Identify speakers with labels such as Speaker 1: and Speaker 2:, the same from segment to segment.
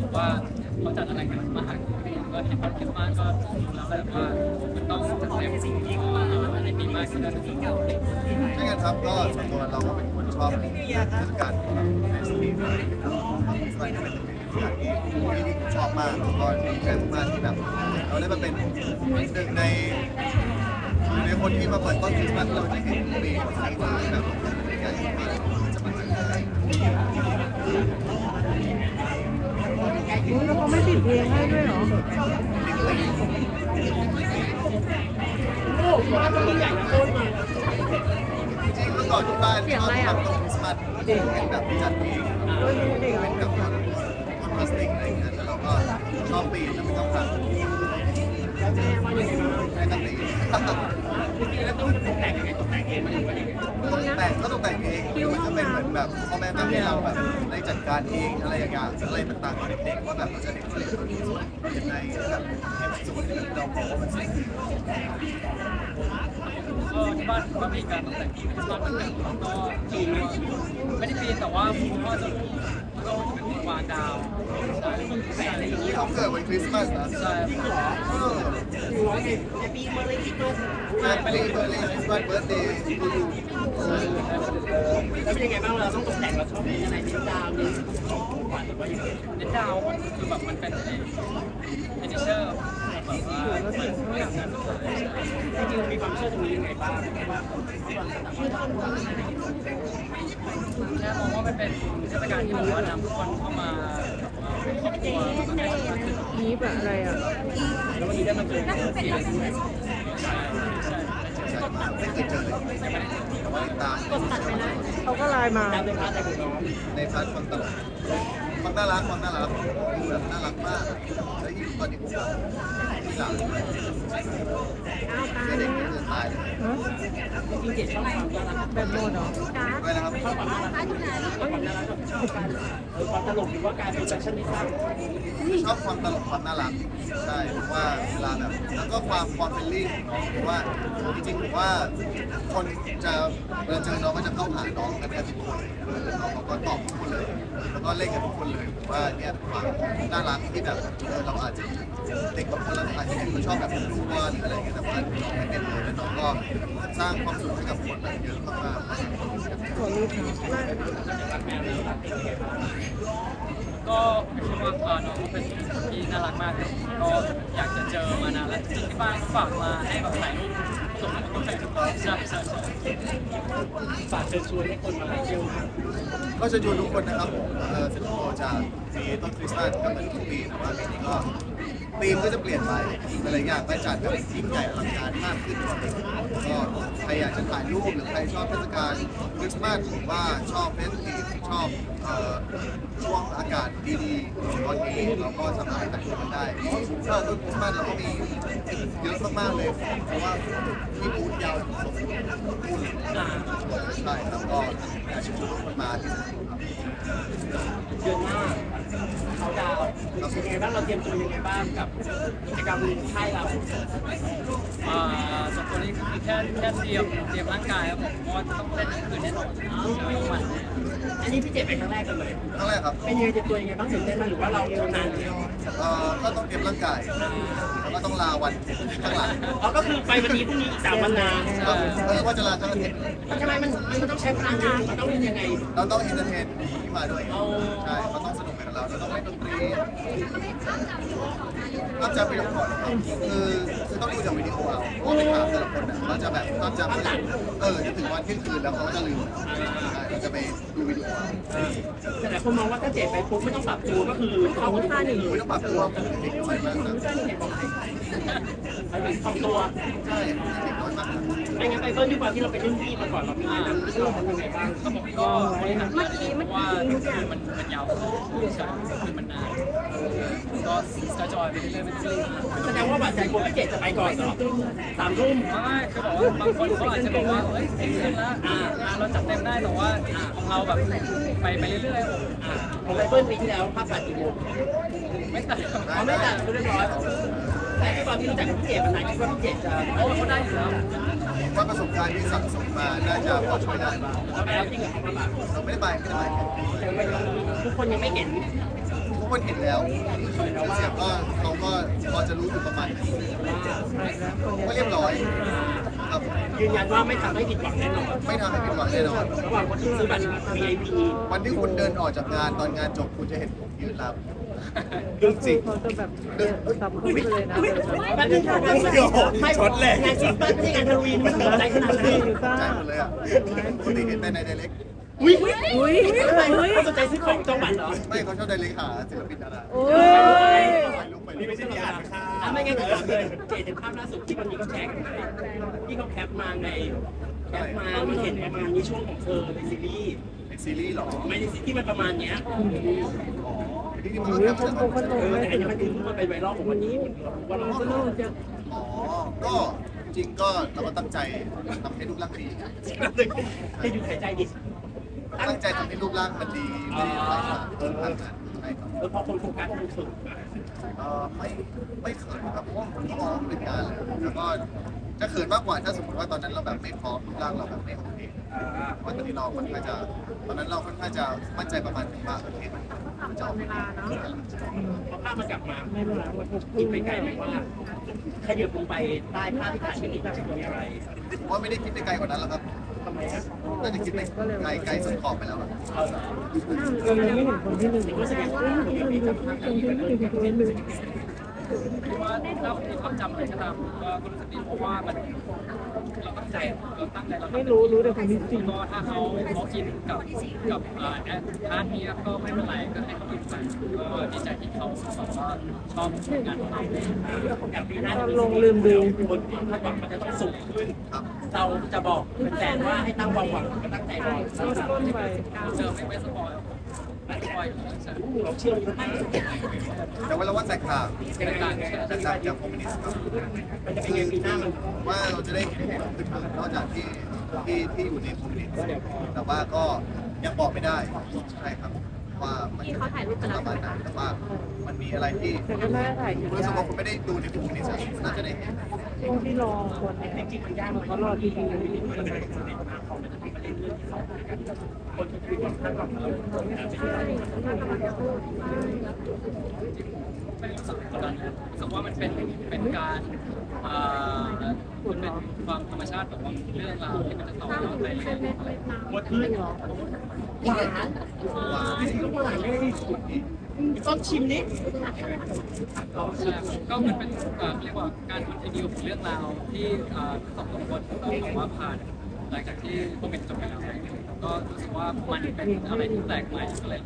Speaker 1: ว่าเขาจัดอะไรกันมาหาก็เห็นว่าคริสต์มาสก็แล้วแบบว่ามันต้องจัดเต็มสิ่งที่ในปีมากขึ้นแล้วสิ่งเก่า
Speaker 2: ไม่งั้นครับก็ส่วนตัวเราก็เป็นคนชอบเทศกาลในสตรีมสมัยนี้เป็นเทศกาลที่ชอบมากแล้วก็ดีใจมากที่แบบเราได้มาเป็นหนึ่งในคนที่มาเปิดต้นคริสต์มาสเราจะเห็นปีของไทยมาแบบใหญ่มากจะมาถึงได้
Speaker 3: แล้วเขาไม่ปิดเพลงให้ด้วยเหรอ
Speaker 2: จริงๆเมื่อก่อนที่บ้านชอบทำต้นคริสต์มาสเป็นแบบจัดเองเป็นแบบก้อนพลาสติกอะไรอย่างเงี้ยแล้วเราก็ชอบปีนแล้วไม่ต้องทำไม่ต้องตี
Speaker 1: แล้วต้องตกแต่งยังไงตกแต่งเองมันยังไง
Speaker 2: ตกแต่งก็ตกแต่งเองมันก็เป็นเหมือนแบบพ่อแม่ทำให้เราแบบได้จัดการเองอะไรอย่างเงี้ยอะไรต่างๆของเด็กๆว่าแบบเราจะเด็กเรียนยังไงแบบให้มันสวยแบบเรามองว่ามันสวย
Speaker 1: ที่บ้านก็มีการตกแต่งที่คริสต์มาสเหมือนกันก็ปีนไม่ได้ปีนแต่ว่าผมก็จะเป็นวางดาวใช่แต่อะไรอย่างนี้
Speaker 2: เขาเกิดวันคริสต์มาสนะ
Speaker 1: ใช่
Speaker 2: จริงเหรอแฮปปี้เบิร์ดเดย์คริสต์มาสแฮปปี้เบิร์ดเดย์คริสต์มาสเบิร์ดเดย์ทูยู
Speaker 1: แล้วเป็นยังไงบ้างเราต้องตกแต่งเราชอบเป็นอะไรเป็นดาวเนี่ยเป็นดาวคือแบบมันเป็นเอเนเจอร์แบบว่าไม่อยากนั้นจริงๆมีความเชื่อตรงนี้ยังไงบ้างแค่มองว่ามันเป็นเทศกาลที่แบบว่านำทุกคนเข้ามาครอบครัวมาให้สัมพันธ์
Speaker 3: นี้แบบอะไรอ่ะ
Speaker 1: แล้ววันนี้ได้มาเจอเพื่อนด้วยใช่
Speaker 2: ไม่เคยเจอเลยแต่ว่าตาม
Speaker 3: เขาก็ไลน์มา
Speaker 1: ในพาร์ทแต่ของน้อง
Speaker 2: ในพาร์ทความตลกความน่ารักแบบน่ารักมากแล้วยิ่งตอนนี้ผมที่หลังเด็กจะตายเลย
Speaker 1: จริงๆชอบความน่ารัก
Speaker 3: แบบโมดเหรอ
Speaker 2: ไม่นะครับ
Speaker 1: ชอบความน่ารักความน่ารักชอบการความตลกหรือว่าการเป็นแฟชั่นที่สร้าง
Speaker 2: ชอบความตลกความน่ารักใช่เพราะว่าเวลาแบบแล้วก็ความเฟรนลี่ของน้องเพราะว่าจริงๆผมว่าคนจะเวลาเจอน้องก็จะเข้าหาน้องกันแทบทุกคนน้องเขาก็ตอบทุกคนเลยแล้วก็เล่นกับทุกคนเลยผมว่าเนี่ยความน่ารักที่แบบเราอาจจะเด็กบางคนเราอาจจะเห็นเขาชอบแบบดูบอลหรืออะไรอย่างเงี้ยแต่ว่าน้องไม่เป็นเลยแล้วน้องก็สร้างความสุขให้กับคนแบบเยอะมากๆ
Speaker 3: ขอรูปนะ
Speaker 1: ก็คิดว่าน้องเป็นที่น่ารักมากเลยก็อยากจะเจอมานานแล้วจริงที่บ้านฝากมาให้แบบถ่ายรูปส่งมาตัวใช่ฝากเชิญชวนให้คนมาเที่ยว
Speaker 2: ก็เชิญชวนทุกคนนะครับผมเซ็นทรัลโกจะมีต้นคริสต์มาสก็เหมือนทุกปีแต่ว่าปีนี้ก็ธีมก็จะเปลี่ยนไปอะไรอย่างก็จัดแบบยิ่งใหญ่อลังการมากขึ้นกว่าเดิมก็ใครอยากจะถ่ายรูปหรือใครชอบเทศกาลคริสต์มาสหรือว่าชอบเฟสติฟชอบช่วงอากาศดีๆตอนนี้เราก็สามารถแต่งตัวได้ถ้าต้นคริสต์มาสเราก็มีเยอะมากๆเลยเพราะว่ามีบูธยาวถึง2 บูธใช่แล้วก็อยากเชิญชวนคนมาที่
Speaker 1: เดือนหน้าเขาดาวเป็นยังไงบ้างเราเตรียมตัวยังไงบ้างกับกิจกรรมค่ายเราส่วนตัวนี้คือแค่เตรียมร่างกายครับผมเพราะว่าต้องเล่นคืนแน่นอนทุกวันอันนี้พี่เจ็บเป็นครั้งแรกกันเลย
Speaker 2: ครั้งแรกครับ
Speaker 1: เป็นยังไงเตรียมตัวยังไงบ้างตื่นเต้นไหมหรือว่าเราเรียนนานแล้ว
Speaker 2: ก็ต้องเตรียมร่างกายแล้วก็ต้องลาวันข้างหลัง
Speaker 1: ก็คือไปวันนี้พรุ่งนี้อีก3 วันนา
Speaker 2: ว่าจะลาทั้งอาทิตย์
Speaker 1: ทำไมมันต้องใช้พลังงานมันต้องเป็นยังไง
Speaker 2: เราต้องอินเตอร์เทนที่มาด้วยใช่เขาต้องสนุกกับเราเราต้องเล่นดนตรีภาพจำไปก่อนคือต้องดูจากวิดีโอเอาเพราะไปถามแต่ละคนเขาจะแบบภาพจำจะถึงวันเที่ยงคืนแล้วเขาก็จะลืมเราจะไปดูวิดีโอ
Speaker 1: แต่หลายคนมองว่าถ้าเจ็บไปปุ๊บไม่ต้องปรับตัวก็คือเขา
Speaker 3: ท่าหนึ่ง
Speaker 2: ไม่ต้องปรับตัวเด็กน้อยมากนะ
Speaker 1: ปรับตัว
Speaker 2: ใช่เด็กน้อยมาก
Speaker 1: ไม่งั้นไปเบิ้ลดีกว่าที่เราไปเล่นที่มาก่อนเราพี่นะที่เราทำยังไงบ้างเขาบอกก็บริหารว่ามันยาวใช่คือมันนานก็จอยไปเรื่อยๆแสดงว่าบัตรใจกลัวพี่เจจะไปก่อนเหรอ3 ทุ่มไม่คือบอกว่าบางคนเขาอาจจะบอกว่าเฮ้ยเต็มแล้วเราจัดเต็มได้แต่ว่าของเราแบบไปเรื่อยๆของไบเบิลปีที่แล้วภาพตัดกี่โมงไม่ตัดเขาไม่ตัดเรียบร้อยแต่ตอนที่รู้จักพี่เจมันนานคิดว่าพี่เจจะเขาได้อยู่แล้ว
Speaker 2: ว่าประสบการณ์ที่สั่งสมมาน่าจะพอช่วยได้
Speaker 1: เราไปแล้วจริงเหรอครับ
Speaker 2: เราไม่ได้ไป
Speaker 1: แต่ทุกคนยังไม่เห็น
Speaker 2: คนเห็นแล้วเสียงก็เขาก็พอจะรู้อยู่ประมาณนึงก็เรียบร้อยครับ
Speaker 1: ยืนยันว่าไม่ทำให้ผิดหวังแน่นอน
Speaker 2: ไม่ทำให้ผิดหวังแน่นอน
Speaker 1: ระหว่างคนที่ซื้อบัตร VIP
Speaker 2: วันที่คุณเดินออกจากงานตอนงานจบคุณจะเห็นผมยืนรับเรื่องจริง
Speaker 3: เขาจะแบบสับขึ้นไปเลยนะ
Speaker 1: แป๊บนึงค่ะไม่ช็อตเลยงานคริสต์มาสไม่ใช่งานฮาโลวีนไม่ต้องตกใจขนาดนั้น
Speaker 3: อยู่ซ่า
Speaker 2: ใจหมดเลยอ่ะปกติเห็นแต่ในไดเรก
Speaker 1: อุ้ย
Speaker 3: อุ้ย
Speaker 1: ทำไม
Speaker 3: อุ้ย
Speaker 1: เขาสนใจซื้อของจองบัตรเหรอ
Speaker 2: ไม่เขาชอบไดเรกหาศิลปินดารา
Speaker 3: โอ้ย
Speaker 2: ไปลุกไปนี่ไม่ใช่ที่อ่านค่ะ
Speaker 1: ไม่งั้นก็ถามเลยเจเห็นภาพล่าสุดที่วันนี้เขาแชร์กันที่เขาแคปมาในแคปมามันเห็นประมาณนี้ช่วงของเธอในซีรีส์
Speaker 2: ในซีรีส์หรอ
Speaker 1: ไม่ในซีรีส์ที่มันประมาณเนี้ย
Speaker 2: อ๋อที่นี่มัน
Speaker 3: อุ้ย
Speaker 2: ก็
Speaker 3: เขา
Speaker 2: แค่
Speaker 3: โกงขนม
Speaker 1: แต่
Speaker 3: เลย
Speaker 1: อันนี้มันคือมันเป็นไวรัลของวันนี้ว่าเรา
Speaker 3: ก็ลูกจะ
Speaker 2: อ๋อก็จริงก็เราก็ตั้งใจทำให้รูปร่างดี
Speaker 1: ให้ดูหายใจดิ
Speaker 2: ตั้งใจทำให้รูปร่างมันดีไม่ได้อะไรครับใช่ครับ
Speaker 1: พอคนโฟกัสมันสุด
Speaker 2: ไม่เขินครับเพราะว่าผมก็มองว่าเป็นงานแหละแล้วก็จะเขินมากกว่าถ้าสมมติว่าตอนนั้นเราแบบไม่พร้อมรูปร่างเราแบบไม่โอเคเพราะตอนนี้เราค่อนข้างจะตอนนั้นเราค่อนข้างจะมั่นใจประมาณนึงว่าโอเคมันจะออกมาดี
Speaker 1: พอภาพมันกลับมา
Speaker 3: ไม่เป็นไรหมดทุก
Speaker 1: คิดไปไกลไหมว่าขยับลงไปใต้ภาพที่ถ่ายเป็นอีกจะมีอะไร
Speaker 2: ผมว่าไม่ได้คิดไปไกลกว่านั้นแล้วครับ
Speaker 1: ทำไมอ่ะ
Speaker 2: น่าจะคิดไปไกลสุดขอบไปแล้วอะ
Speaker 1: เอาเหรอ
Speaker 3: เรายังไม่เห็นคนที่หนึ่ง
Speaker 1: ก็แสดงว่าคนที่มีจำภาพที่เป็นเรื่องที่เป็นเรื่องที่ว่าเราความจำอะไรก็ตามก็รู้สึกดีเพราะว่ามันเราตั้งใจเรา
Speaker 3: ไม่รู้แต่คนที่จริง
Speaker 1: ก็ถ้าเขาอินกับอาร์ตนี้ก็ไม่เป็นไรก็ให้เขาอินไปก็ดีใจที่เขาแบบว่าชอบงานของเราอย่างปีหน้าคนคาดหวังมันจะต้องสูงขึ้น
Speaker 2: ครับ
Speaker 1: เราจะบอกแฟนว่าให้ตั้งความหวังก็ตั้งใจรอ
Speaker 3: ต้นไป
Speaker 1: เจอไม่สปอยไม่สปอยเราเชื่ออยู่ไหม
Speaker 2: แต่ว่าเราว่าแตกต่าง
Speaker 1: เป็นการ
Speaker 2: แตกต่างจากคอมมิวนิสต์ครับ
Speaker 1: มันจะเป็นไงปีหน้ามัน
Speaker 2: ว่าเราจะได้เห็นอื่นๆนอกจากที่อยู่ในคอมมิวนิสต์แต่ว่าก็ยังบอกไม่ได้ใช่ครับว่ามันจะประมาณไหนแต่ว่ามันมีอะไรที่
Speaker 3: แต่ก็น่าถ่ายอยู่
Speaker 2: รู้สึก
Speaker 3: ได้
Speaker 2: ว่าคุณไม่ได้ดูในคอมมิวนิสต์น่าจะได้เห็น
Speaker 3: ช่วงที่รอคน
Speaker 1: จริงๆมันยาก
Speaker 3: เขารอที่ดี
Speaker 1: มันจะเป็นประเด็นมากเขามันจะมีประเด็นเรื่องที่เขาคนที่มีความคาดหวังเราไม่รู้สึกกดดันนะรู้สึกว่ามันเป็นการมันเป็นความธรรมชาติแบบว่าเรื่องราวที่มันจะต่อยอดไปหมดขึ้นหวานหวานเลยต้นชิมนิดก็มันเป็นเรียกว่าการคอนติเนียของเรื่องราวที่สองคนต้องบอกว่าผ่านหลังจากที่โควิดจบไปแล้วก็รู้สึกว่ามันเป็นอะไรที่แปลกใหม่ก็เลย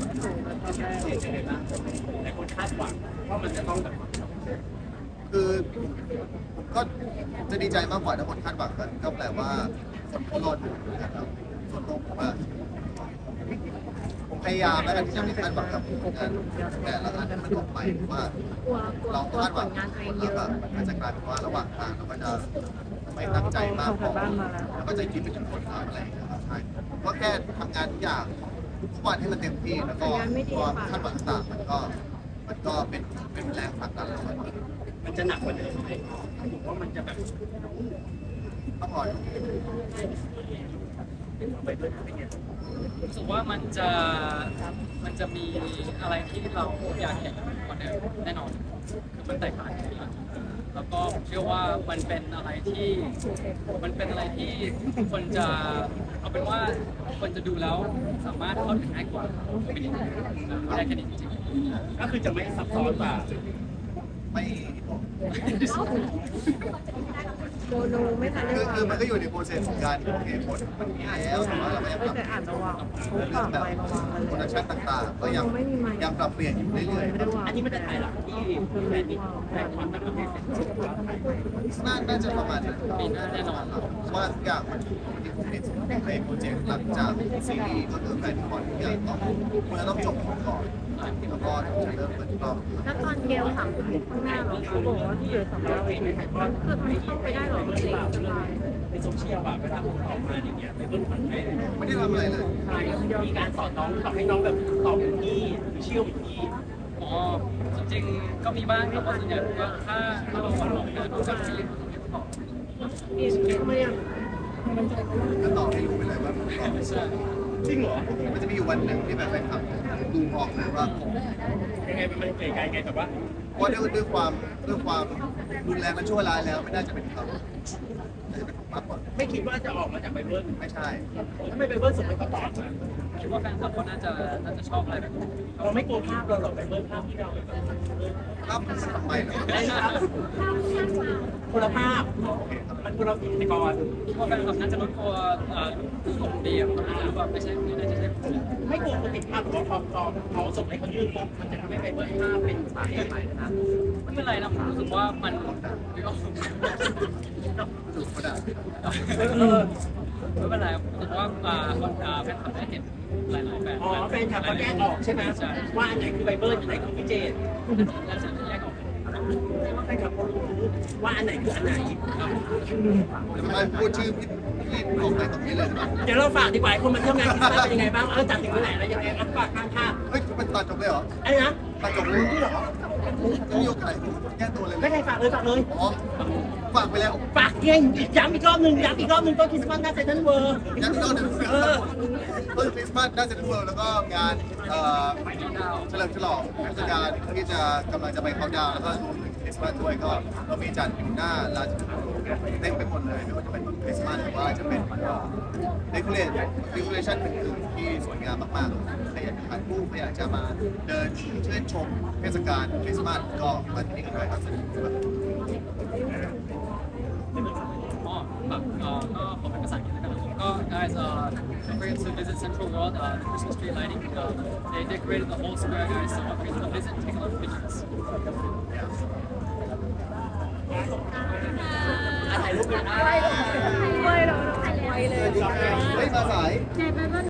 Speaker 1: แต่คนคาดหวังว่ามันจะต้องแบบ
Speaker 2: คือก็จะดีใจมากกว่าถ้าคนคาดหวังกันก็แปลว่าคนเขารอดูนะครับส่วนตัวผมว่าผมพยายามแล้วกันที่จะไม่คาดหวังกับงานแต่ละอันที่มันออกไปว่า เราคาดหวังคนแล้วแบบมันก็จะกลายเป็นว่าระหว่างทางเราก็จะไม่ตั้งใจมากพอแล้วก็จะคิดไปถึงผลลัพธ์อะไรอย่างเงี้ยครับใช่ก็แค่ทำงานทุกอย่างทุกวันให้มันเต็มที่แล้วก็ความคาดหวังต่างๆมันก็เป็นแรงผลักดันเราไป
Speaker 1: มันจะหนักกว่าเดิมไหมผมว่ามันจะแบบ
Speaker 2: ต้องรอดู
Speaker 1: รู้สึกว่ามันจะมีอะไรที่เราอยากเห็นกว่าเดิมแน่นอนคือมันแตกต่างกันอยู่แล้วแล้วก็ผมเชื่อว่ามันเป็นอะไรที่คนจะเอาเป็นว่าคนจะดูแล้วสามารถเข้าถึงง่ายกว่าไม่ได้แค่นี้จริงๆก็คือจะไม่ซับซ้อนกว่า
Speaker 2: ไม่บอก
Speaker 3: โมโนไม่ทันได้
Speaker 2: คือมันก็อยู่ในโปรเซสของการโอเคผลมันมีแล้วแต่ว่าเราก็ยังปรับ
Speaker 3: แต่อ่านระวังเขา
Speaker 2: เรื่
Speaker 3: ฝา
Speaker 2: อก งแบบ
Speaker 3: ไประวังกัน
Speaker 2: โปร
Speaker 3: เล
Speaker 2: ดัก
Speaker 3: ย
Speaker 2: ชั่นต่างๆ ก็ยังปรับเปลี่ยนอยู่เรื่อยๆครับ
Speaker 1: อันนี้มันจะถ่ายหลังที่แฟนมิตแฟนคอนต่างประเทศเสร็จ
Speaker 2: น่าจะประมาณนั้น
Speaker 1: ปีหน้าแน่นอน
Speaker 2: เพราะว่าทุกอย่างมันอยู่ที่ผมเห็นในโปรเจกต์หลังจากซีรีส์ก็คือแฟนคอนทุกอย่างมันจะต้องจบก่อนแล้วก็ถึงจะเริ่มเปิดรอบ
Speaker 4: แล้วตอนเกลถามถึงข้างหน้าเรา
Speaker 3: เขาบอกว่าที่เหลือ300 เวที
Speaker 4: คือมันเข้าไปได้หรอมันเล็กจะตาย
Speaker 1: ในโซเชียลอะเวลาผมออกมาอย่างเงี้ยเป็นต้นพันธุ์
Speaker 2: ไม่ได้ทำอะไรเลย
Speaker 1: มีการสอนน้องตอบให้น้องแบบตอบอย่างนี้หรือเชื่ออย่างนี้อ๋อจริงๆก็มีบ้างครับว่าส่วนใหญ่ก็ถ้าเราสอนน้องนะก็จะมีตอบ
Speaker 3: มีทำไมอ่ะ
Speaker 2: ก็ตอบให้รู้ไปเลยว่าตอบ
Speaker 1: ใช่จริงเหรอ
Speaker 2: มันจะมีอยู่วันหนึ่งที่แบบแฟนคลับดูออกเลยว่า
Speaker 5: ยังไงมันเก๋ไกลไงแต่ว่า
Speaker 2: ว่าด้วยความรุนแรงและชั่วร้ายแล้วไม่น่าจะเป็นเขาน่าจะเป็นผมมากกว่า
Speaker 5: ไม่คิดว่าจะออกมาจากไบเบิล
Speaker 2: ไม่ใช่
Speaker 5: ถ้าไม่ไบเบิลส่งไปก็ตอบมา
Speaker 1: คิดว่าแฟนคลับเขาน่าจะชอบอะไรแบบนี้
Speaker 5: เราไม่กลัวภาพเราหรอกไบเบิลภาพที่เราแบบ
Speaker 2: ครับมันทำไมเหรอ
Speaker 5: ได้ครับคนละภาพมันคนละฟิล์มก่อน
Speaker 1: คิดว่าแฟนคลับน่าจะรู้ตัวผมดีอ่ะน่าจะรู้ว่าไม่ใช่ผม
Speaker 5: ไม่กลัวคนติดภาพหรือว่าพอส่งให้คนยื่นปุ๊บมันจะทำให้ไบเบิลภาพเป็นสาเหตุใหม่นะ
Speaker 1: ไม่เป็นไรนะผมรู้สึกว่ามันไม่ออก
Speaker 2: ถูกกระดาษ
Speaker 1: ไม่เป็นไรผมรู้สึกว่าแฟนคลับได้เห็นหลายๆแบบ
Speaker 5: อ๋อแฟนคลับเขาแยกออกใช่ไหมว่าอันไหนคือไบเบิลอันไหนคือพิเจน
Speaker 1: แล้วจะแยกออก
Speaker 5: ว่าแฟนคลับเขารู้ว่าอันไหนคืออันไหน
Speaker 2: ทำไมพูดชื่อพี่ออกไปตรงนี้เลยหรือเปล่า
Speaker 5: เดี๋ยวเราฝากดีกว่าคนมาเที่ยวงานคริสต์มาสเป็นยังไงบ้างจัดถึงเมื่อไหร่แล้วยังไงฝากข้างภาพ
Speaker 2: เฮ้ยเป็นตัดจบเลยเหรอ
Speaker 5: ไอ้นะ
Speaker 2: ตัดจบเลยเหรอจะมีโอกาสแก้ตัวเลย
Speaker 5: ไม่ใครฝากเลยฝากเลย
Speaker 2: อ๋อฝากไปแล้ว
Speaker 5: ฝากเก่งย้ำอีกรอบหนึ่งต้นคริสต์มาสหน้าเซ็นทรัลเวิลด์
Speaker 2: ยังอีกรอบหนึ่งต้นคริสต์มาสน่าจะทุกเวิลด์แล้วก็งานเฉลิมฉลองเทศกาลที่จะกำลังจะไปเขาน์ดาวน์แล้วก็รวมถึงคริสต์มาสด้วยก็เรามีจัดอยู่หน้าลานจอดรถเต็มไปหมดเลยไม่ว่าจะเป็นคริสต์มาสหรือว่าจะเป็นเดคอเรชั่นอื่นๆที่สวยงามมากๆใครอยากจะถ่ายรูปใครอยากจะมาเดินชื่นชมเทศกาลคริสต์มาสก็มาที่นี่กันได้ครับ
Speaker 1: อ๋อแบบก็ขอเป็นภาษาอังกฤษแล้วกันนะครับก็ guys don't forget to visit Central World the Christmas tree lighting they decorated the whole square guys so don't forget to visit and take a look at pictures
Speaker 5: ถ่ายรูปกัน
Speaker 3: ไม่เลย
Speaker 2: เฮ้ยมาสาย
Speaker 4: ในไบเบิล